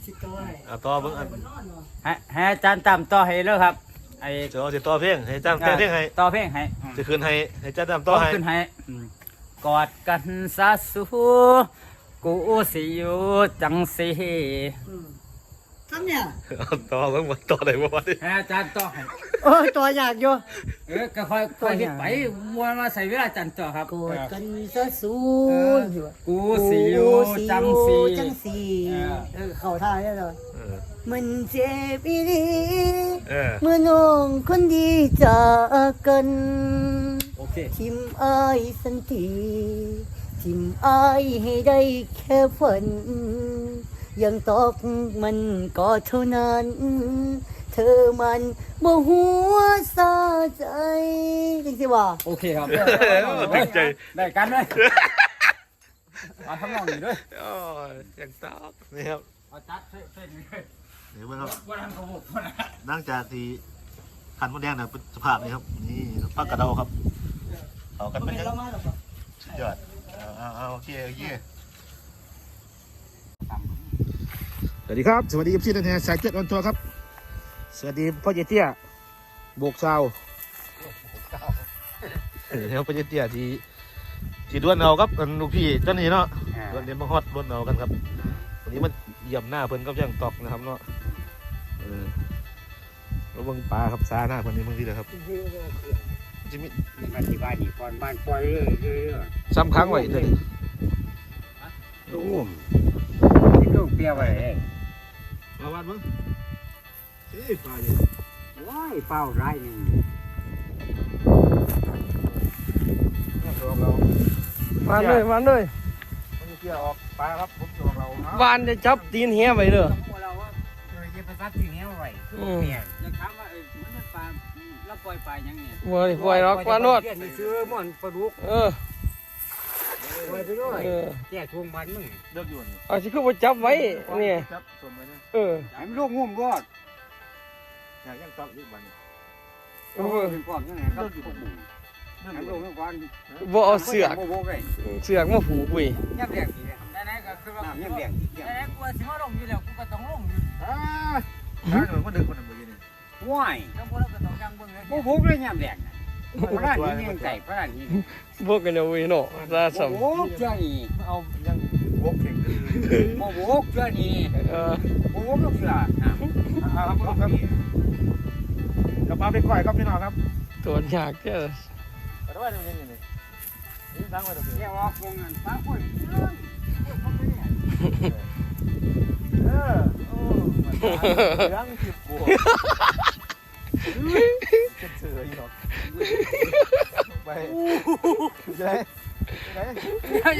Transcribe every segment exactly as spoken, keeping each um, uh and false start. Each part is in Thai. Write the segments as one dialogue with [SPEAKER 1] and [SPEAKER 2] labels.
[SPEAKER 1] เอาต่อเบิ่งอัน
[SPEAKER 2] ให้ให้อาจารย์ตามต่อให้เลยครับไอ้
[SPEAKER 1] เดี๋ยวสิต่อเพลงให้จำแต่งเพลงให้
[SPEAKER 2] ต่อเพลงให้
[SPEAKER 1] จะคืนให้ให้จำต่อให้
[SPEAKER 2] ขึ้นให้อืมกอดกันซะสูกูสิอยู่จังสิ
[SPEAKER 3] ทำเนี่ย
[SPEAKER 1] เอาต่อเบิ่งว่าต่อได้บ่วะนี่
[SPEAKER 2] ให้อาจารย์ต่อให้
[SPEAKER 3] โอ้ยตัวอยากอยู่
[SPEAKER 2] เออก็ค่อยค่อยเฮ็ดไปมวนมาใส่เวลาอาจารย์ต่อครับ
[SPEAKER 3] กอดกันซะสู
[SPEAKER 2] เออกูสิอยู่จังสิ
[SPEAKER 3] จังสีเออเข้าท่าได้เลย
[SPEAKER 1] เออ
[SPEAKER 3] มันเจ็บอีหลี
[SPEAKER 1] เออ
[SPEAKER 3] เมื่อน้องคนดีจากกัน
[SPEAKER 2] โอเค
[SPEAKER 3] ทิมอายสันทีทิมอายให้ได้แค่ฝัน ยังตอกมันก็เท่านั้น เธอมันบ่หัวซาใจจริงสิว่า
[SPEAKER 2] โอเคครับ
[SPEAKER 1] ตั้งใจ
[SPEAKER 2] ได้กันเลยเอาทำนองนี้ด้วย
[SPEAKER 1] โอ้ยยังตอกนี่ครับ
[SPEAKER 2] เอาจัดเส้นนี้เลย
[SPEAKER 1] นี่เบิ่งครับ
[SPEAKER 2] ว่าทำกระบอกนะ
[SPEAKER 1] หลังจากที่ขันมดแดงเนี่ยเป็นสภาพนี้ครับนี่ผักกระเดาครับเอากันเป็นยังสุดยอดเอาเอาเอาโอเคโอเคสวัสดีครับสวัสดีพี่นันแทนสายเจ็ดออนทัวร์ครับสวัสดีพ่อเจเตี้ยโบกชาวเออแล้วพ่อเจเตี้ยที่ที่ด้วนเอาครับกันลูกพี่เจ้านี่เนาะด้วนเดียนมาฮอดด้วนเอากันครับวันนี้มันเยี่ยมหน้าเพิ่นกับย่างตอกนะครับเนาะเออแล้วเบิ่งปลาครับซาหน้าเพิ่นนี่เบิ่งที่เด้อครับจะมี
[SPEAKER 2] มาที่บ้านนี่ก่อนบ้านปล่อยเรื่อยเรื่อย
[SPEAKER 1] ซ้ำค้างไว้เด้อนี่
[SPEAKER 2] โอ้มที่ลูกเปียไว้เอง
[SPEAKER 1] มาวัดมึงเอ้ยปลาอยู่
[SPEAKER 2] ว้ายเป้าไรหนึ่ง
[SPEAKER 4] วานเลยหวานเลย
[SPEAKER 1] มันจะเกี่ยวออกปลาครับผมจะออกเรา
[SPEAKER 4] หวานจะจับตีนเหี้ยไปเด้อ
[SPEAKER 2] เราว่าเราจะไปซัดที่นี้ไว้
[SPEAKER 4] อืม
[SPEAKER 2] เนี่ยจะถามว่าเออมันเป็นปลาแล้วปล่อยปลายังเนี่ย
[SPEAKER 4] ปล่อยปล่อยหรอกปลาโนด
[SPEAKER 2] นี่ซื้อมันปลาดุก
[SPEAKER 4] เออ
[SPEAKER 2] ปล่อยไปด้วย
[SPEAKER 4] เออ
[SPEAKER 2] แก่ทวงบันมึง
[SPEAKER 1] เลือกอยู่นี่
[SPEAKER 4] เอาสิคือบ่จับไว้เนี่ย
[SPEAKER 1] จับส่วนไปเนี่ย
[SPEAKER 4] เออ
[SPEAKER 2] ไอ้มันลูกงุ่มรอด
[SPEAKER 1] อยากยังตอกอีกวัน
[SPEAKER 4] เอ
[SPEAKER 2] เอ
[SPEAKER 4] อ
[SPEAKER 2] อเป็นความยังไงครับพวกมึงไอ้ลูกงุ่มก่อน
[SPEAKER 4] บ่เอาเสือก
[SPEAKER 2] บ่บ่เลย
[SPEAKER 4] เสือกมาผูกไว้
[SPEAKER 2] ยับแดงดีเลยไหนๆก็คือว่ายับแดงดีไหนๆกูสิมาลงอยู่แล้วกูก็ต้องลงอยู่
[SPEAKER 1] อ่าถ้าหนูมันดึกคนหนึ่งเมื่อกี้นี่
[SPEAKER 2] ว้ายแล้วพวกเราก็ต้องยังเบิ่งเลยบ่บ่เลยยับแดงน่ะพระราชนี่ยังไก่พระราชนี่
[SPEAKER 4] พวกกันเอาไว้เนาะซาซ้ํ
[SPEAKER 2] โอ้เจ้านี่
[SPEAKER 1] เอายังวกเข่ง
[SPEAKER 2] บ่บ่เจ้านี่
[SPEAKER 4] เออ
[SPEAKER 2] บ่บ่ลูกเสือนะ
[SPEAKER 1] ครับครับกระเป๋าไปก่อยครับพี่น้องครับ
[SPEAKER 4] ตัวยากเด้อ
[SPEAKER 1] ไปด้วยนี่นี่นี่นี่ตั้งไว้ตรงนี้
[SPEAKER 2] เรียกว่าคงเงินฟ้าคนเออ
[SPEAKER 1] เออโอ้เรื่องจิบบัวจะเจออีกหรอกไปจะได้จะได้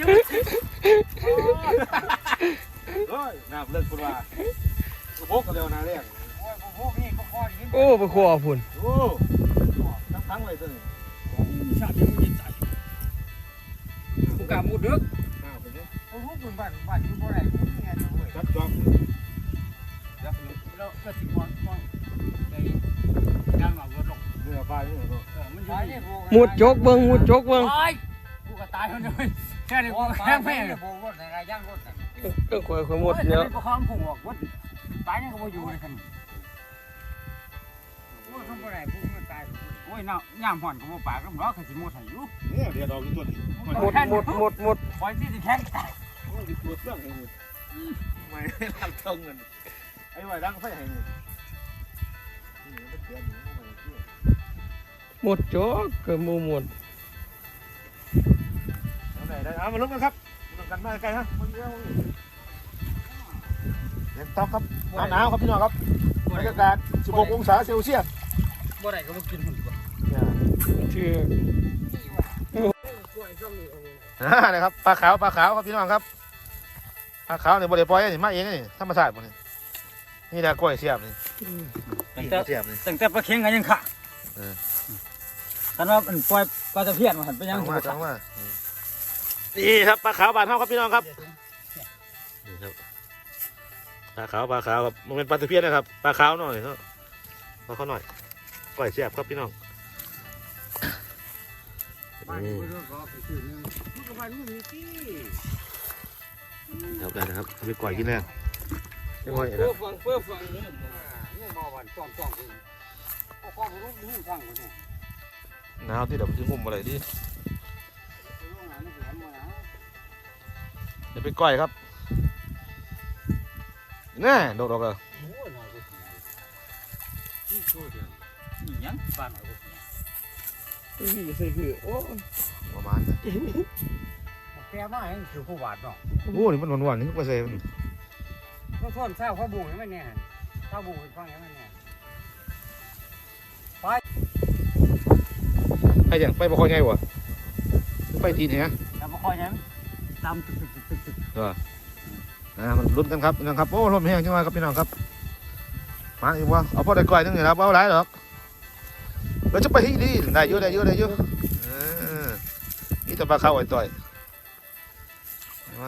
[SPEAKER 1] เฮ้ยน้ำเลิกคุณว่าพกกันเร็วนะเรียก
[SPEAKER 2] โอ้ยพวกนี้ก็พอดี
[SPEAKER 4] โอ้ไปขวาพุ่น
[SPEAKER 1] โอ้ตั้งทั้งไว้ตัวนี้
[SPEAKER 2] ชาติมันจะใจกูกะมุดดึก
[SPEAKER 1] น้ำไปเนี่ย
[SPEAKER 2] โอ้โหคุณบ้านบ้านอยู่บ่ได้กูนี่ไงเว้ย
[SPEAKER 1] จับจอม
[SPEAKER 2] แล้วก็สิก่อนก่อนไอ้ย่างหลังรถลง
[SPEAKER 1] เรือปลาเนี่ยก็
[SPEAKER 2] เออมันอยู่
[SPEAKER 4] มุดจกเบิ่งมุดจกเบิ่ง
[SPEAKER 2] ตายกูก็ตายคนเดียวแค่นี้กูแค่แม่โบกรถในรายย่างรถ
[SPEAKER 4] เออข่อยข่อยหมดแล้ว
[SPEAKER 2] ก็ข้ามพุ่งออกรถตายยังก็บ่อยู่เลยคันโอ้ยทำบ่ได้พุ่งมันตายโอ้ยน้ำย่ามห่อนก็บ่ปากก็บ่คือสิหมดให้อยู่
[SPEAKER 1] เนี่ยเรือดอกตัวนี้
[SPEAKER 4] หมดหมดหมดหมด
[SPEAKER 2] ปล่อยที่สิแข็งตาย
[SPEAKER 1] โอ้ยตัวเครื่องเองไม่ทำเทิงเงินไอ้ไหวดังไฟให้นี่นี่มันเตือนอยู่มันเชื่อ
[SPEAKER 4] หมดจกก็บ่หมด
[SPEAKER 1] เอาไหนได้เอามาลุ้นกันครับลุ้นกันมาไกลฮะมันเยอะเล็กต๊อกครับหนาวครับพี่น้องครับบรรยากาศสิบหกองศาเซลเซียส
[SPEAKER 2] บ่ได้ก็บ่กินหุ่นบ่
[SPEAKER 4] ชื่อ
[SPEAKER 1] อ่านะครับปลาขาวปลาขาวครับพี่น้องครับปลาขาวเนี่ยบริปล่อยนี่มาเองนี่ธรรมชาติหมดนี่นี่แหละกล้วยเสียบนี่นี่เสียบนี่
[SPEAKER 2] ตั้งแต่ปลาเค็งก็ยังขาคันว่ามันปล่อยปลาตะเพียนมาหันไปยัง
[SPEAKER 1] มาจังมานี่ครับปลาขาวบานเท่าครับพี่น้องครับนี่ครับปลาขาวปลาขาวครับมันเป็นปลาตะเพียนนะครับปลาขาวหน่อยเนาะปลาเขาหน่อยกล้วยเสียบครับพี่น้อง
[SPEAKER 2] บ้านกูเรื่องก็คือนึงมึงก็บ้านมึงมีที่
[SPEAKER 1] เดี๋ยวกันนะครับไปก่อยกินแน่ยังไง
[SPEAKER 4] เพื่
[SPEAKER 1] นะ
[SPEAKER 4] อฟังเพื่อฟังเนี่ย
[SPEAKER 2] นี่มอวันจ้องจ้องคุณก็ข้อรู้รู้ฟังคุณเนี่ย
[SPEAKER 1] หนาวที่เดี๋ยวมันจะงุ่มอะไรดิเดี๋ยวไปก้อยครับแน่โดดออกเลย
[SPEAKER 2] โอ้ยน้อยกว่าที่โชว์เดียวนี่ยังบ้านน้อยกว่า
[SPEAKER 4] นี่ใส่คือโอ้
[SPEAKER 1] ประมาณนั้น
[SPEAKER 2] แกมาเองคือผู้บาดเนาะ
[SPEAKER 1] โอ้นี่มันหวานๆนี่ก็เซ่มัน
[SPEAKER 2] ต้องทนเศร้าเขาบุ้งให้มันเนี่ยเศร้าบุ้งฟังให้มันเนี่ย
[SPEAKER 1] ไปอย่างไปบ่ค่อยไงวะไปทีเนี่ย
[SPEAKER 2] แต่บ่ค่อยนั้นตามตึกตึกตึกตึกตึก
[SPEAKER 1] เอออ่ามันลุ้นกันครับพี่น้องครับโอ้ลมแห้งจังเลยครับพี่น้องครับมาอีกวะเอาพอได้ก้อยนึงนี่ครับเอาหลายหรอกเราจะไปที่นี่ได้เยอะได้เยอะได้เยอะเออนี่จะปลาเข้าไอ้ต่อยมา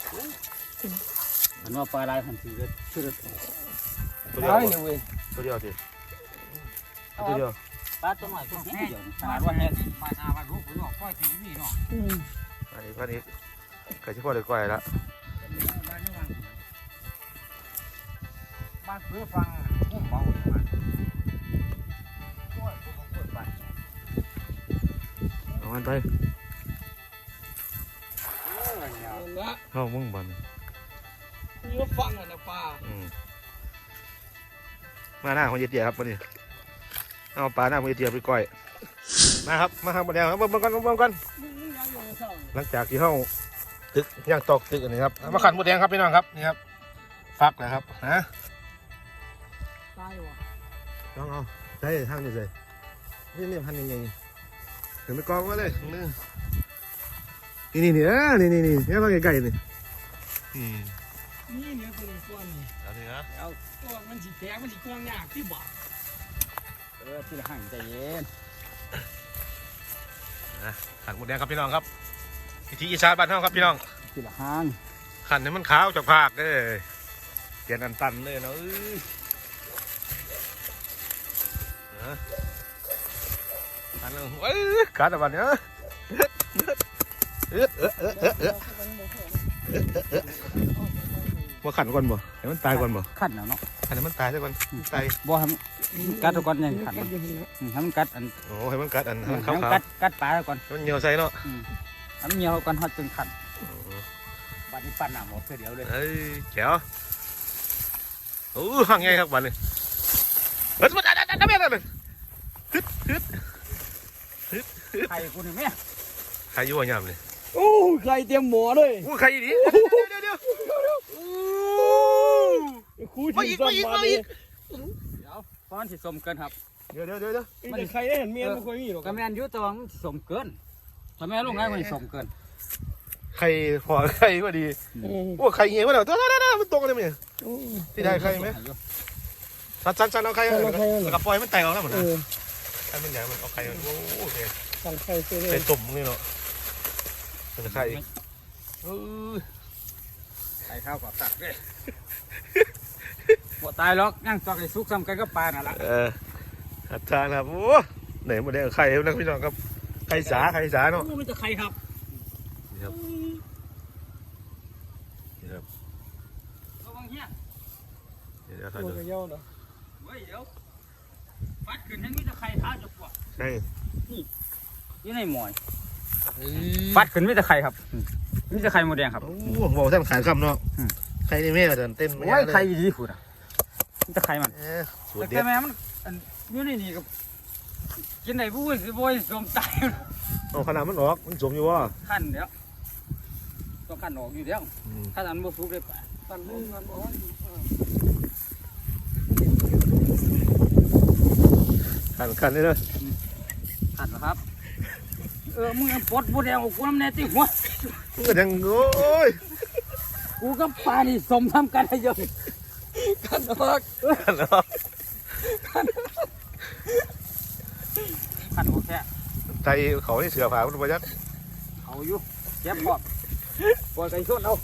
[SPEAKER 2] มันว่าปลาลายพันธุ์คือคือ
[SPEAKER 1] ตัวเดียว
[SPEAKER 4] ตาย
[SPEAKER 1] บ่
[SPEAKER 4] เนี่ยเว้ย
[SPEAKER 1] ตัวเดียวสิตัวเดียว
[SPEAKER 2] ปลาตัวใหม่ตัวแห้งขนาดว่าแห้งปลาหาปลาลูกปลาปล่อยสีนี่เนาะ
[SPEAKER 1] อันนี้อันนี้ไก่ที่พ่อได้ก้อยแล้ว
[SPEAKER 2] บ้านเพื่อฟังพุ่มเบาเลยมันโอ้ยพุ่มเปิดบ้าน
[SPEAKER 1] เอาอันไป
[SPEAKER 2] โอ้ยเนี่ย
[SPEAKER 4] นั่นละ
[SPEAKER 1] เอามึงบัน
[SPEAKER 4] นี่ก็ฟังอ่ะนะป้า
[SPEAKER 1] อืมมาหน้าของเยเตียครับวันนี้เอาปลาหน้าของเยเตียไปก้อยมาครับมาครับมาแล้วครับเบิ่งกันเบิ่งกันหลังจากที่เขาตึกย่างตอกตึกอันนี้ครับเอามาขันหมดแดงครับพี่น้องครับนี่ครับฟักนะครับฮะ
[SPEAKER 4] ตายวะ
[SPEAKER 1] ลองเอาใช่ทางนี้เลยนี่นี่พันยังไงเห็นไปกองไว้เลยนี่นี่นี่เออนี่นี่นี่นี่มาไกลๆนี่อืม
[SPEAKER 4] นี่เนี่ยเป็นก้อนนี่
[SPEAKER 1] เอาสินะ
[SPEAKER 4] เอาตัวมันสีแข็งมันสีกว้างยากที่บ่า
[SPEAKER 2] เออที่ละห่างใจเย็น
[SPEAKER 1] ขันหมดแดงครับพี่น้องครับพิธีอีสานบ้านเฮาครับพี่น้อง
[SPEAKER 2] ที่ละห่าง
[SPEAKER 1] ขันให้มันขาวจากภาคเด้อเปลี่ยนอันตันเลยเนาะเอ้ยนะขันเลยเอ้ยขันอะไรเนี่ยเอ๊ะเอ๊ะเอ๊ะเอ๊ะเอ๊ะเอ๊ะว่าขันก่อนบ่ให้มันตายก่อนบ่
[SPEAKER 2] ขั้นแล้วเนาะ
[SPEAKER 1] ขันให้มันตายซะก่อนตาย
[SPEAKER 2] บ่ให้มันกัดก่อนยังขันให้มันกัดอัน
[SPEAKER 1] โอ้ให้มันกัดอันให้มัน
[SPEAKER 2] ให้
[SPEAKER 1] ขาว
[SPEAKER 2] มัน
[SPEAKER 1] ขาว
[SPEAKER 2] กัดกัดปลาก่อน
[SPEAKER 1] มันเหนียวใส่เนาะ
[SPEAKER 2] ให้มันเหนียวก่อนฮอดจนขันบัดนี้ปั่นหน้าหมดเดียวเลย
[SPEAKER 1] เอ้ยแจ๋วโอ้ห่างไงครับวันนี้เฮ้ยมันอันอันอันนั้นเลยฮึดฮึด
[SPEAKER 2] ไข่กูนี่แม่
[SPEAKER 1] ใครอยู่วะยามเลย
[SPEAKER 4] โอ้ใครเตรียมหมอเลย
[SPEAKER 1] อู้ใครอีนี่เดี๋ยวเดี๋ยวเดี๋ยวอู้
[SPEAKER 4] ครู
[SPEAKER 1] มา
[SPEAKER 4] ที่
[SPEAKER 1] อีก
[SPEAKER 4] สั่
[SPEAKER 1] มาง อีก
[SPEAKER 4] มา
[SPEAKER 1] มา
[SPEAKER 4] เล
[SPEAKER 1] อี
[SPEAKER 4] ย
[SPEAKER 1] ก
[SPEAKER 2] เดี๋ยวฟ้อนสิสมเกินครับ
[SPEAKER 1] เดี๋ยวเดี๋ยวเดี๋ยวเดี๋ยว
[SPEAKER 4] แต่ใครได้เห็นเมียมันค่อยมีหรอก
[SPEAKER 2] ก็แม่นอยู่แตว่ามันสิสมเกินถ้าแม่ลงไงมันสิสมเกิน
[SPEAKER 1] ใครพอใครก็ดีโอ้ใครเงี้ยวะเดี๋ยวเดี๋ยวเดี๋ยวเดี๋ยวมันตรงกันเลยมั้ยที่ได้ใครไหมสันสันสันเอาใครแล้วก็ปล่อยมันแตกออกแล้วหมด
[SPEAKER 4] เอ
[SPEAKER 1] นะ
[SPEAKER 4] อ
[SPEAKER 1] ใครมันใหญ่มันเอาใครมันโอ้โหเนี่ย
[SPEAKER 4] สั่งใครเสียเล
[SPEAKER 1] ใคร
[SPEAKER 4] ย
[SPEAKER 1] ตุ่มนี่เนาะเป็นใครเออ
[SPEAKER 2] ไข่ข้าวกับตักเด้บ่ตายหรอกย่างจอกไอ้สุกซ้ำกันก็ปลาน่ะล่ะ
[SPEAKER 1] เอออาจารย์ครับโอ้ไหนหมดเลยใครนักพี่น้องครับใครสาใครสาเนาะ
[SPEAKER 2] โอ้มันจะไข่ครับ
[SPEAKER 1] นี่ครับนี่ครับ
[SPEAKER 2] ระวังเฮีย
[SPEAKER 1] เดี๋ยว
[SPEAKER 4] ตั
[SPEAKER 1] ท่าน
[SPEAKER 4] ว
[SPEAKER 1] ดู
[SPEAKER 4] กระเย้าเนาะ
[SPEAKER 2] เฮ้ยเดี๋ยวฟัดขึ้นให้มีแต่ไข่ท้าจะปวด
[SPEAKER 1] ใช่
[SPEAKER 2] อยู่ในหมอยฟัดขึ้นมีแต่ไข่ครับมีแต่ไข่หมดแดงครับ
[SPEAKER 1] โอ้บอกท่านขายคำเนาะใครนี่แม่เดินเต้น
[SPEAKER 2] โอ้ยไข่ดีขุดอ่ะมีแต่ไข่มัน
[SPEAKER 1] เออสูต
[SPEAKER 2] แต่
[SPEAKER 1] รเด็
[SPEAKER 2] แต่
[SPEAKER 1] ด
[SPEAKER 2] แม่มันอันอยู่ในนี่กับกินได้บุ้ยสิบุ้ยสมตาย
[SPEAKER 1] เอาขนาดมันออกมันสมอยู่ว่า
[SPEAKER 2] ขั้นเดี๋ยวต้องขั้นออกอยู่เดี๋ยวขั้นอันบ่สุกเลยป่ะ
[SPEAKER 4] ตันรุ่นกันบอกว่า
[SPEAKER 1] ขันขันนี่เลย
[SPEAKER 2] ขั้นนะครับเออมึงปลดบุแดงกูน้ำแน่ติหัว
[SPEAKER 1] มันก็ยังโอ้ย
[SPEAKER 2] กูกับปลานี่สมทำกันได้เยอะ
[SPEAKER 4] กันออก
[SPEAKER 1] ขันออก
[SPEAKER 2] ขั้นโอเค
[SPEAKER 1] ใจเขาที่เสือผ่าคุณประยัด
[SPEAKER 2] เอาอยู่เจ็บปอดปวดไก่ชนเอา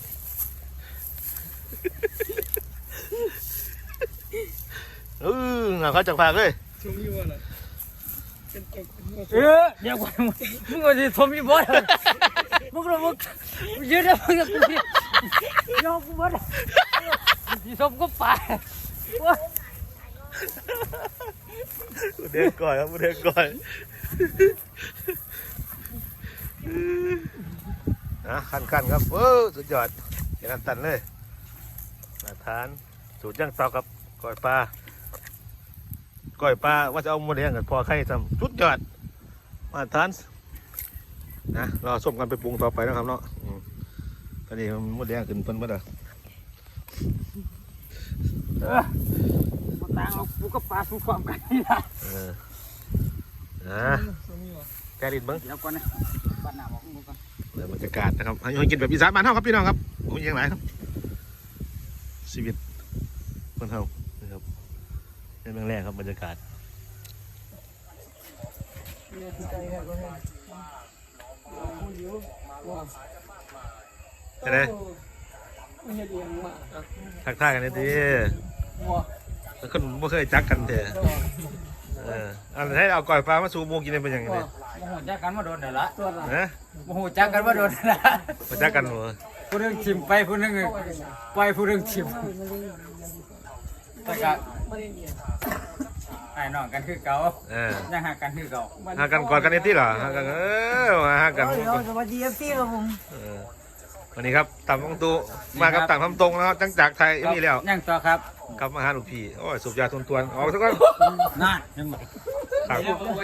[SPEAKER 1] เออหนาเขาจักผ่าเลย
[SPEAKER 4] ช่วงนี้ว่าน่ะเป็นเอก
[SPEAKER 2] เออเดี๋ยวก่อนมึงก็จะทมยี่บ่อยมึงก็มึงยืดได้มึงก็กูยอมกูบ่ได้สีส้มก็ไป
[SPEAKER 1] เด็กก่อยครับเด็กก่อยนะขั้นขั้นครับเออสุดยอดอย่างนั้นตันเลยมาทานสูตรย่างเตากับก้อยปลาก้อยปลาว่าจะเอาหมดเลี้ยงกับพอไข่ทำสุดยอดมาทานนะรอส้มกันไปปรุงต่อไปนะครับเนาะอืมตอนนี้มันหมดเลี้ยงขึ้นเพิ่นบ่ได้
[SPEAKER 2] เออมาต่างเอาปูกับปลาสู้ความกันนี่นะ
[SPEAKER 1] เออนะแกดิดเบิ้ง
[SPEAKER 2] เดี๋ยวก่อนนะบ้านหน้าบอกมึงก่อน
[SPEAKER 1] เดี๋ยวบรรยากาศนะครับให้กินแบบอีสานบ้านเฮาครับพี่น้องครับโอ้ยยังไงครับชีวิตคนเฮานะครับเป็นเมืองแรกครับบรรยากาศ
[SPEAKER 4] เนี่ยใจแค่ก็ให้คนเดียวว่า
[SPEAKER 1] ใช่ไหม
[SPEAKER 4] ไม่เห็นเองมา
[SPEAKER 1] ทักทายกันเลยที
[SPEAKER 4] ว่า
[SPEAKER 1] แล้วคนไม่เคยจักกันเถอะเอออันให้เอาก่อยปลามาสูบหมูกินได้เป็นยังไง
[SPEAKER 2] โมโหจักกันมาโดนเดี๋ยวละ
[SPEAKER 4] ตัวละ
[SPEAKER 1] นะ
[SPEAKER 2] โมโหจักกันมาโดนเดี๋ยวละ
[SPEAKER 1] มาจักกันเหรอ
[SPEAKER 2] ผู้หนึงชิมไปผู้หนึงไปผู้หนึงชิมแต่ก็
[SPEAKER 4] ไม่ได้เนี่ย
[SPEAKER 2] ไอ้น้องกันคือเก่า
[SPEAKER 1] เออ
[SPEAKER 2] ยังหากันคือเก่า
[SPEAKER 1] หากันก่อนกันในที่เหรอหากันเออมาหากัน
[SPEAKER 3] เดี๋ยวสวัสดีเอฟซีครับผม
[SPEAKER 1] เออวันนี้ครับต่ำตรงตูมากับต่างทำตรงแล้วจังจากไทยนี่แล้ว
[SPEAKER 2] ยังต่อครับ
[SPEAKER 1] กลับมาหาหลวงพี่โอ้ยสูบยาทวนตวนออกซะก่อน
[SPEAKER 2] น่ายังบอก
[SPEAKER 1] ครับ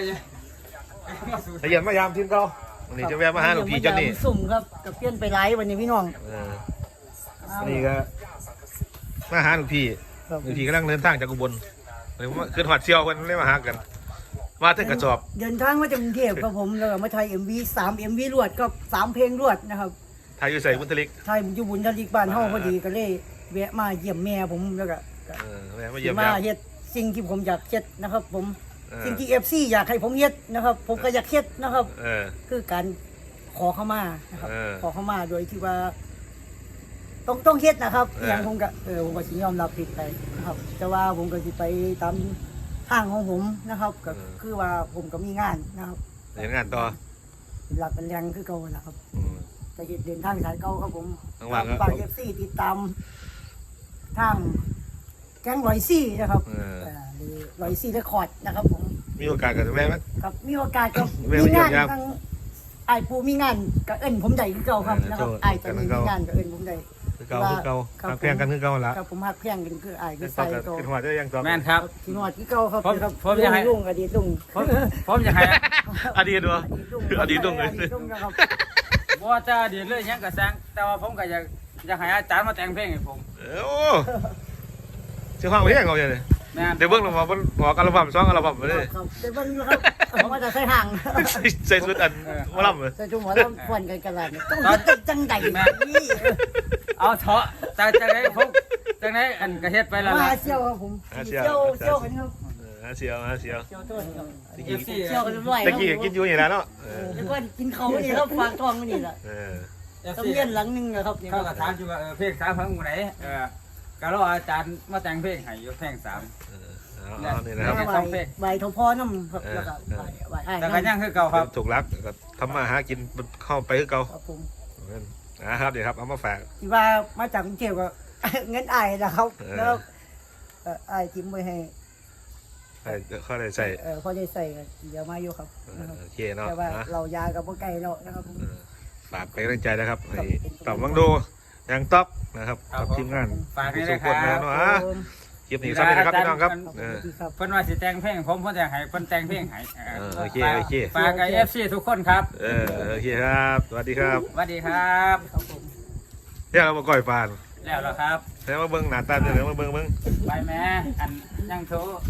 [SPEAKER 1] ละเอียดมายามทีมเขาวันนี้จะแวะมาหาหลวงพี่เจ้านี่
[SPEAKER 3] สุ่มครับกับเพี้ยนไปไลฟ์วันนี้พี่น้อง
[SPEAKER 1] เออวันนี้ก็มาหาหลวงพี่
[SPEAKER 3] ครับ
[SPEAKER 1] หลวงพี่กำลังเดินทางจากอุบลเลยว่าขึ้นหอดเชียวคนเลยมาหากัน มาถึงกระสอบ
[SPEAKER 3] เดินทางมาจากกรุงเทพครับผมแล้วก็มาถ่ายเอ็มวีสามเอ็มวีรวดก็สามเพลงรวดนะครับ
[SPEAKER 1] ไทยอยู่ใส่บุญทลิก
[SPEAKER 3] ถ่ายอยู่บุญทลิกบ้านเฮาพอดีก็เลยแวะมาเยี่ยมแม่ผมแล้วก็
[SPEAKER 1] เออแวะมาเยี่ยม
[SPEAKER 3] มา
[SPEAKER 1] แล้ว
[SPEAKER 3] เฮ็ดสิ่งที่ผมอยากเฮ็ดนะครับ ผม
[SPEAKER 1] เออ
[SPEAKER 3] สิ่งที่เอฟซีอยากให้ผมเฮ็ดนะครับ ผมก็อยากเฮ็ดนะครับ
[SPEAKER 1] เออ
[SPEAKER 3] คือการขอเข้ามานะครับ
[SPEAKER 1] เออ
[SPEAKER 3] ขอเข้ามาโดยที่ว่า ต้องต้องเฮ็ดนะครับ
[SPEAKER 1] เออ
[SPEAKER 3] อ
[SPEAKER 1] อ
[SPEAKER 3] ย่างผมก็เออผมก็สิยอมรับผิดไปนะครับ แต่ว่าผมก็สิไปตามทางของผมนะครับ ก็คือว่าผมก็มีงานนะครับ
[SPEAKER 1] เรียนงานต่อ
[SPEAKER 3] เป็นหลักเป็นแรงคือเก่านะครับ
[SPEAKER 1] อืม
[SPEAKER 3] แต่เฮ็ดเดินทางสายเก่าครับผม
[SPEAKER 1] ว่างๆครับ
[SPEAKER 3] ฝากเอฟซีติดตามทางแก๊งรอยซี่นะครับ
[SPEAKER 1] เออ
[SPEAKER 3] เอ่อหรือรอยซี่เรคคอร์ดนะครับ ผม
[SPEAKER 1] มีโอกาสกันแวะไหม
[SPEAKER 3] ครับมีโอกาสก็
[SPEAKER 1] แม่
[SPEAKER 3] มี
[SPEAKER 1] มาเยี่ย
[SPEAKER 3] งาม น
[SPEAKER 1] ยาม
[SPEAKER 3] ทางไอ้ายปูมีงานก็เอิ้นผมได้คือเก่าครับ
[SPEAKER 1] เออ
[SPEAKER 3] นะครับ
[SPEAKER 1] โทษ
[SPEAKER 3] ไอ้ายจะมี
[SPEAKER 1] กันคือเก่า
[SPEAKER 3] งานก็เอิ้นผมได้
[SPEAKER 1] คือเก่าคือเก่า
[SPEAKER 3] ครับ
[SPEAKER 1] ทางแพงกันคือเก่าละ
[SPEAKER 3] ครับผมฮักแพงกันคือไอ้ายคื
[SPEAKER 1] ยั
[SPEAKER 3] อง
[SPEAKER 1] ต่อ
[SPEAKER 3] ใส่
[SPEAKER 1] กัน
[SPEAKER 3] เก่า
[SPEAKER 1] ขึ้นหัวจะยังต่อ
[SPEAKER 2] แม่นครับ
[SPEAKER 3] ที่นอดที่เก่าครับ
[SPEAKER 2] ผม
[SPEAKER 3] ครับ
[SPEAKER 2] ผมอยากให้
[SPEAKER 3] ลุงอดีตลุง
[SPEAKER 2] ผมผมอยากให้
[SPEAKER 1] อดีตวะ
[SPEAKER 3] อดีตลุง
[SPEAKER 1] อดีตลุงเลย
[SPEAKER 3] อดีตลุงนะครับ
[SPEAKER 2] ว่าจะเดี๋ยวเลยยังกระแซงแต่ว่าผมก็อยากอยากให้อาจารย์มาแต่งเพลงให้ผม
[SPEAKER 1] เออโอ้เชื่อฟังเพลงเขาอย่างนี้
[SPEAKER 2] แม่น
[SPEAKER 1] เดี๋ยวเบิ่งลงมาบนหัวอัลบั้มสองอัลบั้มมาเลย
[SPEAKER 3] ครับเดี๋ยวเบิ่งดูครับผมว่าจะใส่ห่าง
[SPEAKER 1] ใส่ใส่ชุดอันหมาล่ำเลย
[SPEAKER 3] ใส่จุ่มหัวแล้วควนกันกันละเนี่ยต้องเฮ็ดจังใดนี่
[SPEAKER 2] เอาเถอะแต่จังไดผมจังไดอันกระเฮ็ดไปแล้ว
[SPEAKER 3] มา
[SPEAKER 2] ล่ะ
[SPEAKER 3] เชี่ยวครับผม
[SPEAKER 1] หาเชี
[SPEAKER 3] เชี่
[SPEAKER 1] ย
[SPEAKER 3] ยว วเชี่ยวกันครับ
[SPEAKER 1] เออหาเชียวหาเชียว
[SPEAKER 3] เชี่ยวต้นครับ
[SPEAKER 2] เอฟซี
[SPEAKER 3] เชี่ยวกันเรียบร้อย
[SPEAKER 1] ตะกี้กินอยู่อย่างนั้นเนาะเออ
[SPEAKER 3] แล้วก็กินเขานี่ครับฝากทองมานี่แหละ
[SPEAKER 1] เออ
[SPEAKER 3] ต้องเรียนหลังหนึงอะครับนี่ค
[SPEAKER 2] เขา
[SPEAKER 3] รับ
[SPEAKER 2] ก็ถามอยู่ว่าเออเพลงสามพังหมู่ไหนเออก็รออาจารย์มาแต่งเพลงให้อยู่เพลงสาม
[SPEAKER 1] เออเอาเอานี่นะครับ
[SPEAKER 3] ใบใบทพอน้ำครับแล้วก็ใบใบไอ้
[SPEAKER 2] แต่ก็ยังคือเก่าครับ
[SPEAKER 1] ถูกรักก็ทำมาหากินเข้าไปคือเก่า
[SPEAKER 3] ครับผม
[SPEAKER 1] นะครับเดี๋ยวครับเอามาฝาก
[SPEAKER 3] ที่ว่ามาจากกรุงเทพก็ เงินไอ้นะครับ
[SPEAKER 1] เออ
[SPEAKER 3] แล้วเอ่อไอ้จิ้มไว้ให้
[SPEAKER 1] ใส่เข้าได้ใส่
[SPEAKER 3] เออพอได้ใส่ก็เดี๋ยวมาอยู่ครับ
[SPEAKER 1] เอ
[SPEAKER 3] นะ
[SPEAKER 1] อ
[SPEAKER 3] ครับ
[SPEAKER 1] โอเคเนาะ
[SPEAKER 3] แต่ว่า
[SPEAKER 1] นะ
[SPEAKER 3] เรายากับพวกไก่เรานะครับผม
[SPEAKER 1] เออฝากเป็นกำลังใจนะครับให้ต่อวังดูยังต๊อกนะครับกับทีมงาน
[SPEAKER 2] ฝากให้
[SPEAKER 1] สุ
[SPEAKER 2] ด้วย
[SPEAKER 1] ข
[SPEAKER 2] ค
[SPEAKER 1] คน
[SPEAKER 2] รั
[SPEAKER 1] นะ
[SPEAKER 2] บ
[SPEAKER 1] เนาะอ่ะคลิปนี้สำเร็จนะครับพี่น้องครับ
[SPEAKER 3] ครับ
[SPEAKER 1] เออ
[SPEAKER 3] สวัสดีครับ
[SPEAKER 2] เพิ่นว่าสิแต่งเพลงผมเพิ่นจะให้เพิ่นแต่งเพลงให้เออ
[SPEAKER 1] เออโอเคโอเค
[SPEAKER 2] ฝากกับ เอฟ ซี ทุกคนครับ
[SPEAKER 1] เออโอเคครับสวัสดีครับ
[SPEAKER 2] สวัสดีครับ
[SPEAKER 3] ครับผม
[SPEAKER 1] เดี๋ยวเรามาก่อยปาน
[SPEAKER 2] แล้วล่ะครับ
[SPEAKER 1] แล้วมาเบิ้งหน้าตาเดี๋ยวมาเบิ้งเบิ้ง
[SPEAKER 2] ไปแม่อันยังโทษ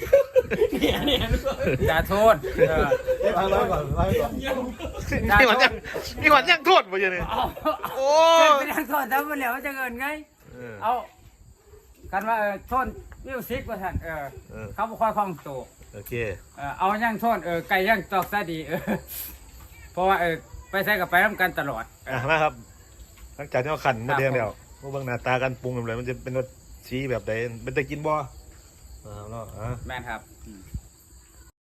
[SPEAKER 2] อย่าโทษเออ
[SPEAKER 1] นี่หวันยังนี่หวันยังโทษมาเยอะเลย
[SPEAKER 2] เอา
[SPEAKER 1] โอ้
[SPEAKER 2] เอาเป็นยังโทษทำมาแล้วจะเงินไง
[SPEAKER 1] เออ
[SPEAKER 2] เอากันว่าเออโทษมิวสิกว่าท่านเออ
[SPEAKER 1] เออ
[SPEAKER 2] เขาบ่ค่อยคล่องตัว
[SPEAKER 1] โอเค
[SPEAKER 2] เออเอายังโทษเออไก่ยังตอกซะดีเออเพราะว่าเออไปใช้กับไปน้ำกันตลอดเอ
[SPEAKER 1] อ่ะ
[SPEAKER 2] อ
[SPEAKER 1] มาครับหลังจากที่เราขันมาเดียง
[SPEAKER 2] ครับ
[SPEAKER 1] แล้วมาเบิ้งหน้าตากันปรุงแบบไรมันจะเป็นรสชี้แบบใดเป็นตะกินบ่อ่าเนาะอ่ะ
[SPEAKER 2] แม่นครับอืม